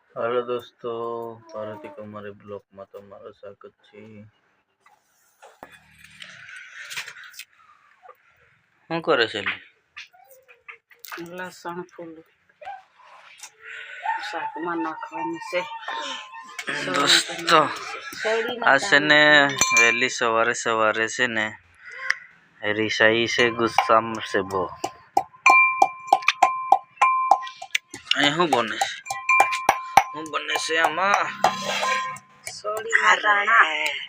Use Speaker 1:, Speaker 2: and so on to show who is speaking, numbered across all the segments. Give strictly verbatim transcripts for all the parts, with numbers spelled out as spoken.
Speaker 1: Hello दोस्तों, पार्वती कुमारी block में तमाરું स्वागत છે। શું કરે છે?
Speaker 2: લસણ ફૂલ શાકમાં નાખવાનું છે
Speaker 1: દોસ્તો આ છે ને વહેલી સવારે સવારે છે ને રિસાઈ છે ગુસ્સામાં છે બહુ। અહીં શું બને છે? શું બને છે આમાં?
Speaker 2: સોડીના દાણા।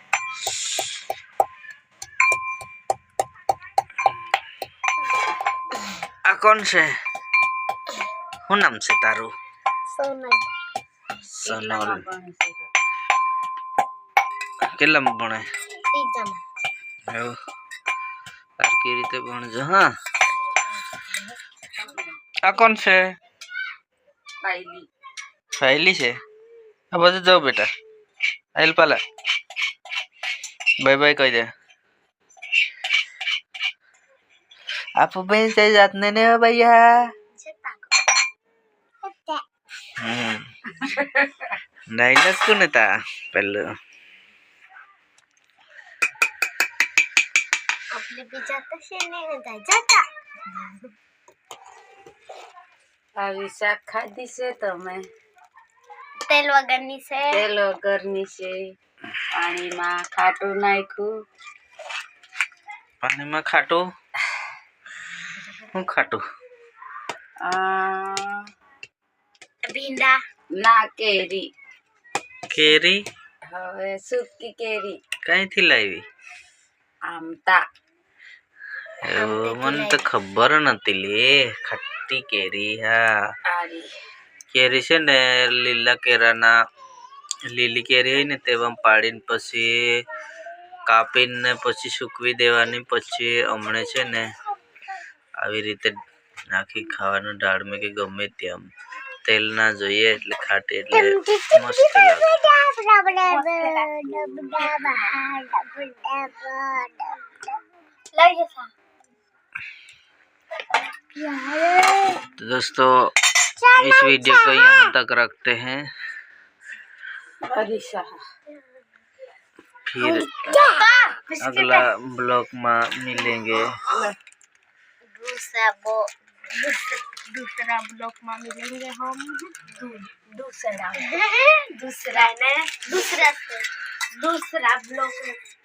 Speaker 1: આ કોણ છે? શું નામ છે તારું?
Speaker 2: સોનલ।
Speaker 1: સોનલ કેટલામાં ભણે?
Speaker 2: ત્રીજામાં।
Speaker 1: એવું સરખી રીતે ભણજો હા। આ કોણ છે?
Speaker 2: પાયલી।
Speaker 1: સહેલી છે? આ બાજુ જાઓ બેટા। આઈલ પાલા બાય બાય કહી દે। आप बेन से जातने ने हो भैया। हम्म डायलॉग कौन था पहले?
Speaker 2: अपने भी जाता से नहीं होता जाता। આવી શાક ખાધી છે તમે? તેલ વગરની છે। તેલ વગરની છે। પાણીમાં ખાટું નાખ્યું।
Speaker 1: પાણીમાં ખાટું? હું ખાટું?
Speaker 2: આ ભીંડા ના કેરી।
Speaker 1: કેરી?
Speaker 2: હવે સૂકી કેરી।
Speaker 1: કઈથી લાવી?
Speaker 2: આમતા।
Speaker 1: મને તો ખબર નથી લે। ખટ્ટી કેરી હા।
Speaker 2: આરી
Speaker 1: કેરી છે ને લીલા કેરાના લીલી કેરી હોય ને તેમાં પાડીને પછી કાપીને પછી સૂકવી દેવાની। પછી હમણે છે ને આવી રીતે નાખી ખાવાનું દાળમાં કે ગમે તેમ। તેલ ના જોઈએ એટલે ખાટી એટલે મસ્ત લાગે। तो दोस्तों इस वीडियो को यहाँ तक रखते हैं, फिर अगला ब्लॉग में मिलेंगे।
Speaker 2: दूसरा वो दूसरा ब्लॉग में मिलेंगे हम। दूसरा दूसरा ने दूसरा दूसरा ब्लॉग